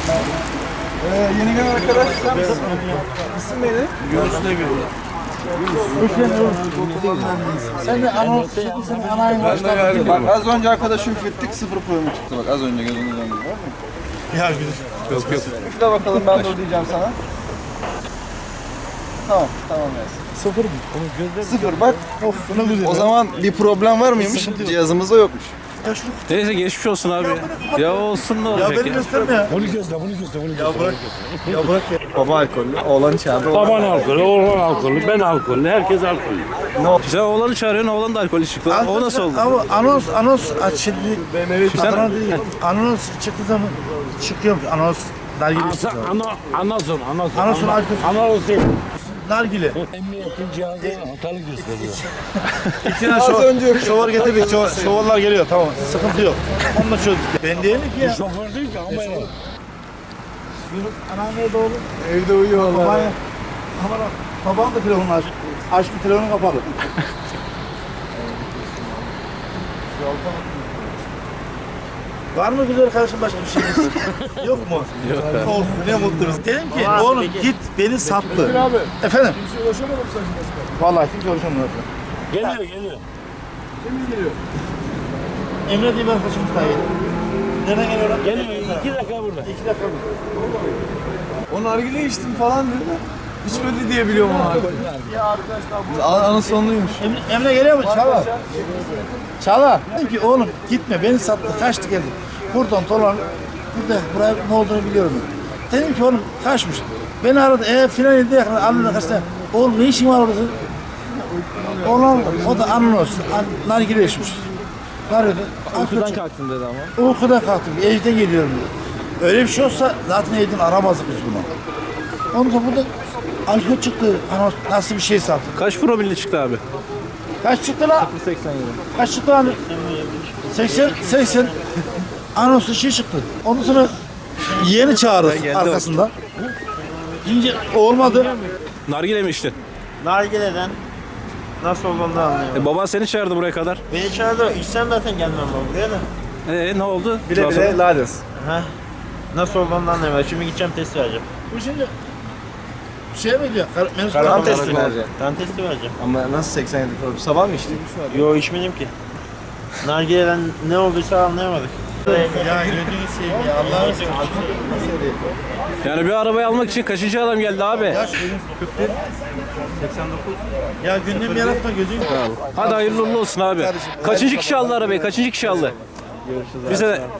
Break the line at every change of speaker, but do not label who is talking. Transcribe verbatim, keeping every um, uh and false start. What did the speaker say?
Ee, yeni gelen arkadaş sen misin? İsim neydi?
Yunus ne görüyor?
Sen de anons, sen de anayın başladın.
Bak az önce arkadaşım fittik sıfır problemi çıktı bak az önce gözünüzün önünde var mı?
Ya güzel.
Yok yok.
Üfle bakalım ben dur diyeceğim sana. Tamam tamam Yasin.
Sıfır mı? Onun gözleri
Sıfır bak.
Of ne güzel.
O zaman bir problem var mıymış? Cihazımızda yokmuş.
Ya şunu
Neyse geçmiş olsun abi. Ya olsun ne
ya
olacak
beni
ya?
gösterme ya.
Bunu gözle, bunu gözle, bunu gözle.
Ya bırak. Ya bırak ya.
Baba alkollü, oğlan içeride.
Baban alkolü, oğlan alkolü, ben alkolü, herkes alkolü.
Sen oğlanı çağırıyorsun, oğlan da alkolü çıktı. O nasıl oldu?
Ama anons, anons aç şimdi.
Sen-
Adana değil. Anons çıktığı zaman çıkıyor. Anons dergili
Ana,
çıkıyor.
ana, anazon, anazon.
Anazon alkol.
Anazon değil.
Nargile.
Emniyetin cihazı hatalı gösteriyor.
İçine
Az
şov,
önce
şovar getirdik. Şov, şovarlar geliyor tamam. Sıkıntı yok. Onunla çözdük. Ben değilim ki ya.
Şoför değil ki ama ya.
Anam nerede oğlum?
evde uyuyorlar.
Babaya. Aman bak. Babam da telefonunu aç. Aç bir telefonu kapalı. Var mı güzel kardeşim başka bir şeyiniz? Yok mu? Yok abi. Olsun ne mutlu biz. Dedim ki oğlum git beni sattı.
Abi.
Efendim?
Kimse ulaşamadım sen şimdi.
Vallahi kimse ulaşamıyor.
Geliyor, geliyor.
Kim geliyor?
Emre diye bir arkadaşımız daha geliyor. Nereden geliyor lan?
Geliyor, iki dakika burada.
İki dakika mı?
O nargile içtim falan dedi de. İçmedi diye biliyorum onu alkol. Ya arkadaşlar bu. Anı sonluymuş.
Emre, Emre geliyor mu? Çağla. Çağla. Dedim ki oğlum gitme beni sattı kaçtı geldi. Buradan dolan. Burada buraya ne olduğunu biliyorum. Dedim ki oğlum kaçmış. Beni aradı. E filan dedi yakın. Anladı kaçtı. Oğlum ne işin var orada? Oğlum o da anons. An, nargile içmiş. Arıyordu.
Uykudan kalktın dedi ama.
Uykudan kalktım. Evden geliyorum dedi. Öyle bir şey olsa zaten evden aramazdık biz bunu. Ondan sonra burada alkol çıktı. Anons nasıl bir şey sattı.
Kaç promille çıktı abi?
Kaç çıktı la?
seksen yedi.
Kaç çıktı lan? seksen, seksen. Anonsu şey çıktı. Ondan sonra yeğeni çağırdık
Geldi
arkasında. Deyince olmadı.
Nargile mi içtin?
Nargile'den nasıl olduğunu da anlayamadım.
E, baban seni çağırdı buraya kadar.
Beni çağırdı, içsem zaten gelmem ben buraya da.
E ne oldu?
Bile
Daha sonra-
bile lades.
Heh. Nasıl olduğunu da anlayamadım. Şimdi gideceğim test vereceğim.
Bu şimdi şey mi diyor? Kar menüsü
Kan
var.
testi verecek.
Kan testi vereceğim.
Ama nasıl seksen yedi problem? Sabah mı içtin?
Yo içmedim ki. Nargile'den ne olduysa anlayamadık.
Ya gözünü seveyim ya Allah'ını seveyim.
Yani bir arabayı almak için kaçıncı adam geldi abi?
Ya şöyle kırk bir. seksen dokuz. Ya gündem yaratma gözünü.
Hadi hayırlı uğurlu olsun abi. Kaçıncı kişi aldı arabayı? Kaçıncı kişi aldı? Bize